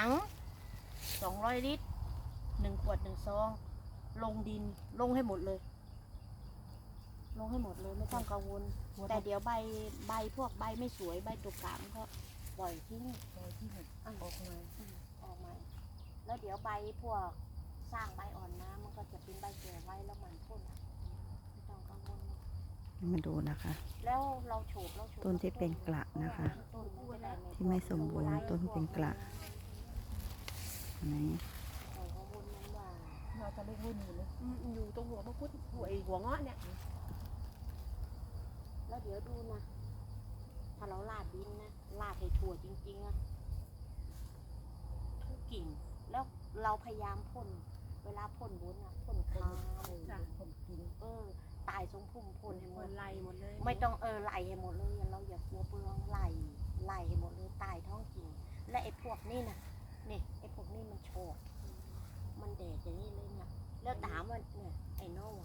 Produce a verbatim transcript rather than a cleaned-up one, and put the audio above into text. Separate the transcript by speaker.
Speaker 1: งสองร้อยลิตรหนึ่งขวดหนึ่งซองลงดินลงให้หมดเลยลงให้หมดเลยไม่ต้องกังวลแต่เดี๋ยวใบใบพวกใบไม่สวยใบตุกกามก็ปล่อยทิ้งปล่อยทิ้งออกมาออกมาแล้วเดี๋ยวใบพวกสร้างใบอ่อนนะมันก็จะเป็นใบแก่ไว้แล้วมันพ่นไม่ต้องกังวล
Speaker 2: มาดูนะคะ
Speaker 1: แล้วเราโฉบเราโฉบ
Speaker 2: ต้นที่เป็นกระนะคะ
Speaker 1: ต้นมันจะได้ไม่
Speaker 2: ที่ไม่สมบูรณ์ต้นเป็นกระไหน
Speaker 1: เอาข้อมูลนั้นว่า
Speaker 3: เราจะเล่นให้หนูเลยอยู่ตรงหัวพระพุทธหัวไอหัวเงาะเนี่ย
Speaker 1: แล้วเดี๋ยวดูนะถ้าเราลาดดินนะลาดให้ถั่วจริงๆอะทุกกิ่งแล้วเราพยายามพ่นเวลาพ่นบนอะพ่นคา
Speaker 3: จ้ะผมกิน
Speaker 1: เออตายทรงพุ่มพ่นให้หม
Speaker 3: ค
Speaker 1: ด
Speaker 3: นไล่หมดเลย
Speaker 1: ไม่ต้องเออไล่ให้หมดเลยเราอย่ากลัวเปลืองไล่ไล่ให้หมดเลยตายท้องกิ่งและไอ้พวกนี่นะนี่ไอ้พวกนี้มันโฉบมันแดดอย่างนี้เลยเนี่ยแล้วถามว่าเนี่ยไอ้น้อง